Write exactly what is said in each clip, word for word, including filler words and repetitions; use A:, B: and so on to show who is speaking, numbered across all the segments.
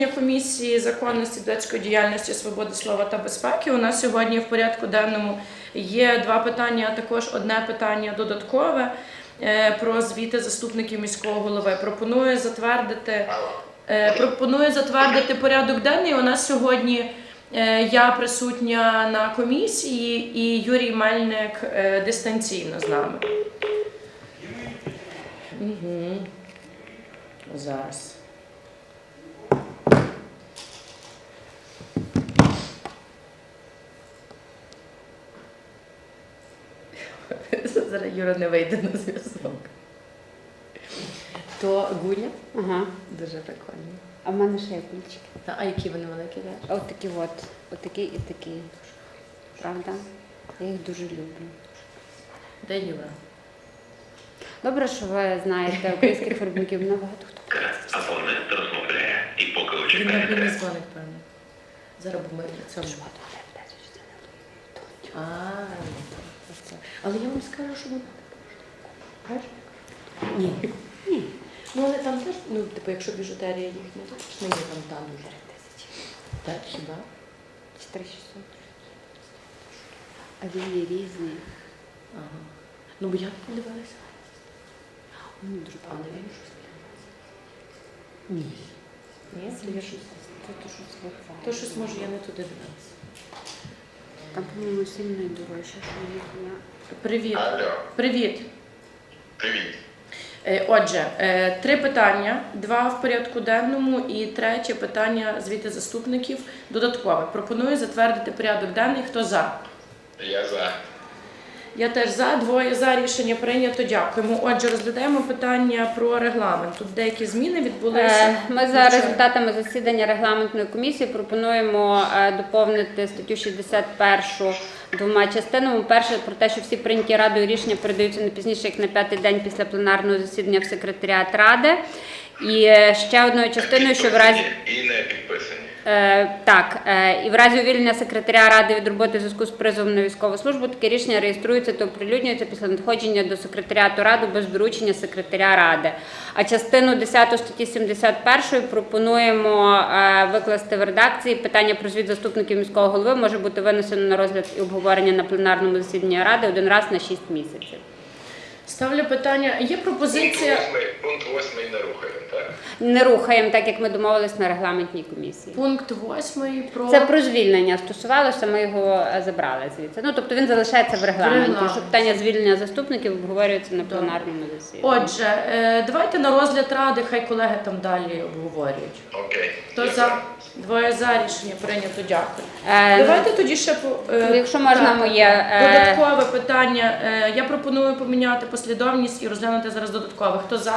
A: Комісії законності, депутатської діяльності, свободи слова та безпеки. У нас сьогодні в порядку денному є два питання, а також одне питання додаткове про звіти заступників міського голови. Пропоную затвердити, пропоную затвердити порядок денний. У нас сьогодні я присутня на комісії і Юрій Мельник дистанційно з нами. Угу. Зараз. Зараз Юра не вийде на зв'язок. То гуля?
B: Ага.
A: Дуже прикольно.
B: А в мене ще є кульчики.
A: Та, а які вони великі теж?
B: А от такі от. От такі і такі. Правда? Я їх дуже люблю.
A: Де Юра?
B: Добре, що ви знаєте українських виробників. Набагато хто.
C: Абонент розмовляє. І поки ви
A: Він на
C: чекаєте.
A: не дзвонить, певно. Зараз бо ми в цьому. А, це. Але я вам скажу, що вона так. Ні. Ні. Ну, але там теж, ну, типу, якщо біжутерія їхня, то ж не є там та дуже.
B: тисячі.
A: Так, хіба?
B: чотири шістсот. А він є різний.
A: Ага. Ну, бо я не дивилася.
B: Мені дуже
A: А, не
B: подобається.
A: він щось Ні. Ні, це я щось.
B: Це то щось випадає.
A: То щось, може, я не туди дивилася.
B: Там, по-моєму, сильно і дорожче, що в них є.
A: Привіт.
C: Алло,
A: Привіт.
C: привіт.
A: Е, Отже, е, три питання, два в порядку денному і третє питання звіти заступників додаткове. Пропоную затвердити порядок денний. Хто за?
C: Я за.
A: Я теж за, двоє за, рішення прийнято, дякуємо. Отже, розглядаємо питання про регламент. Тут деякі зміни відбулися.
B: Е, Ми за результатами засідання регламентної комісії пропонуємо е, доповнити статтю шістдесят першу двома частинами. Перше, про те, що всі прийняті Радою рішення передаються не пізніше, як на п'ятий день після пленарного засідання в секретаріат Ради. І е, ще одною частиною, що в разі...
C: І не підписані.
B: Е, так, е, і в разі увільнення секретаря Ради від роботи в зв'язку з призовом на військову службу таке рішення реєструється та оприлюднюється після надходження до секретаріату Ради без доручення секретаря Ради. А частину десяту статті сімдесят першої пропонуємо е, викласти в редакції. Питання про звіт заступників міського голови може бути винесено на розгляд і обговорення на пленарному засіданні Ради один раз на шість місяців.
A: Ставлю питання. Є пропозиція...
C: Пункт восьмий, пункт восьмий не рухаємо, так?
B: Не рухаємо, так як ми домовились на регламентній комісії.
A: Пункт восьмий про...
B: Це про звільнення стосувалося, ми його е, забрали звідси. Ну, тобто він залишається в регламенті,
A: регламенті.
B: що питання звільнення заступників обговорюється на пленарному засіданні.
A: Отже, е, давайте на розгляд Ради, хай колеги там далі обговорюють.
C: Окей.
A: Хто
C: Я
A: за? Двоє за, рішення прийнято, дякую.
B: Е,
A: Давайте тоді ще по е,
B: якщо можна,
A: так,
B: моє, е,
A: додаткове питання. Е, Я пропоную поміняти послідовність і розглянути зараз додаткове. Хто за?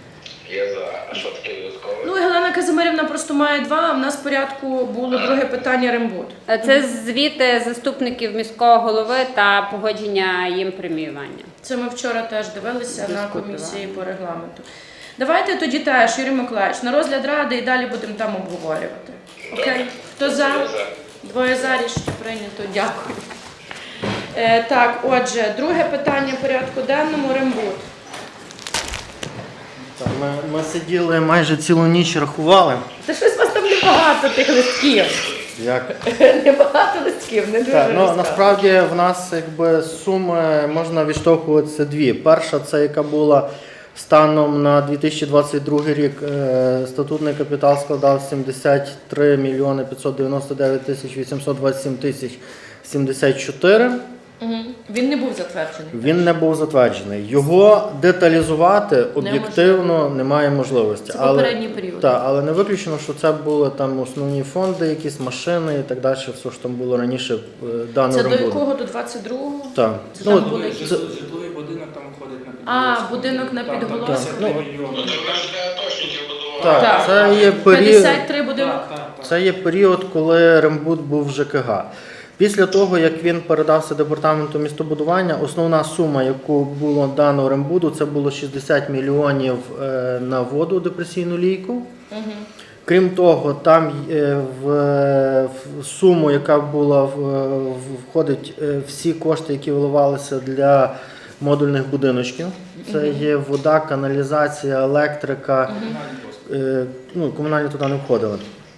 C: Я за. А що таке додаткове?
A: Ну, і Галина Казимирівна просто має два, а в нас в порядку було друге питання Рембуд.
B: Це звіти заступників міського голови та погодження їм преміювання.
A: Це ми вчора теж дивилися на
B: Дискутували.
A: комісії по регламенту. Давайте тоді теж, Юрій Миколаївич, на розгляд Ради і далі будемо там обговорювати. Окей? Хто за?
C: Я за.
A: Двоє за, рішення прийнято. Дякую. Е, так, отже, друге питання порядку денному Рембуд.
D: Так, Ми, ми сиділи майже цілу ніч рахували.
A: Та щось у вас там небагато тих листків.
D: Як?
A: Небагато листків, не дуже
D: Так, ну,
A: розказую.
D: насправді в нас якби суми можна відштовхуватися дві. Перша це яка була станом на дві тисячі двадцять другий рік. Е, статутний капітал складав сімдесят три мільйони п'ятсот дев'яносто дев'ять тисяч вісімсот двадцять сім тисяч сімдесят чотири.
A: Угу. Він не був затверджений.
D: Він не був затверджений. Його деталізувати об'єктивно немає можливості.
A: Це попередній період.
D: Так, але не виключено, що це були там основні фонди, якісь машини і так далі, все, що там було раніше е, даного
A: Це до
D: рембуду.
A: якого? До двадцять другого?
D: Так.
A: Це
D: Ну,
A: там були якісь...
D: це-
E: Житловий будинок там входить на
A: А,
E: підголоску.
A: будинок на
E: Так,
A: підголоску.
E: п'ятдесят три
D: Ну,
E: мільйони.
C: Ну, то ви ж не атошників будували.
D: Так,
A: Так.
D: це є період,
A: п'ятдесят три будинок.
E: Так, так, так.
D: це є період, коли рембуд був в ЖКГ. Після того, як він передався департаменту містобудування, основна сума, яку було дано рембуду, це було шістдесят мільйонів е, на воду, депресійну лійку.
A: Угу.
D: Крім того, там е, в, в суму, яка була в, в- входить е, всі кошти, які виливалися для модульних будиночків. Це є вода, каналізація, електрика.
E: Комунальні послуги.
D: Е, ну, комунальні туди не входили.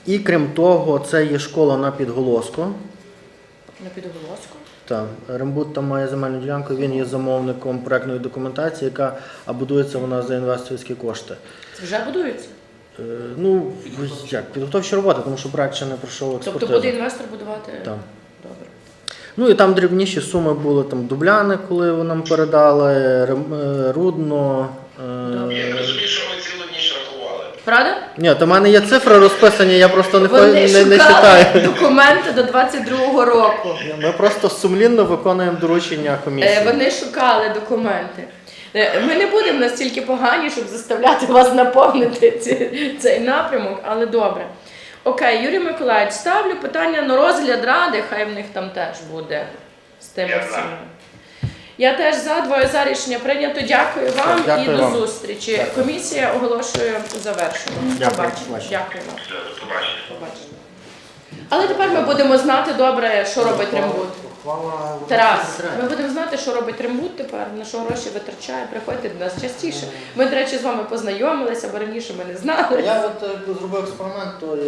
D: І крім того, це є школа на Підголоску.
A: На підголоску.
D: Так, Рембут там має земельну ділянку, він є замовником проектної документації, яка а будується вона за інвесторські кошти.
A: Це вже будується?
D: Е, Ну, як, підготовчі роботи, тому що проект ще не пройшов експертизу.
A: Тобто буде інвестор будувати?
D: Так.
A: Добре.
D: Ну і там дрібніші суми були, там Дубляни, коли нам передали, Рем- е, Рудно. е,
C: Я розумію, що ви цілу ніч рахували.
A: Правда?
D: Ні, то в мене є цифри розписані, я просто не, хо-
A: Вони
D: не, не
A: шукали
D: читаю.
A: документи до двадцять другого року.
D: Ми просто сумлінно виконуємо доручення комісії.
A: Е, Вони шукали документи. Е, Ми не будемо настільки погані, щоб заставляти вас наповнити ці- цей напрямок, але добре. Окей, Юрій Миколаївич, ставлю питання на розгляд ради, хай в них там теж буде з тими
C: Я за.
A: всіма. Я теж за, двоє за рішення прийнято. Дякую вам
D: Дякую
A: і до
D: вам.
A: зустрічі.
D: Дякую.
A: Комісія оголошує завершено.
D: Дякую.
A: Побачимо.
D: Побачимо.
A: Дякую вам.
C: Все, до побачення.
A: Побачимо. Але тепер ми будемо знати добре, що робить Рембут. Тарас, ми будемо знати, що робить Рембут тепер, на що гроші витрачає. Приходьте до нас частіше. Ми, до речі, з вами познайомилися, бо раніше ми не знали.
D: Я от е, зробив експеримент, то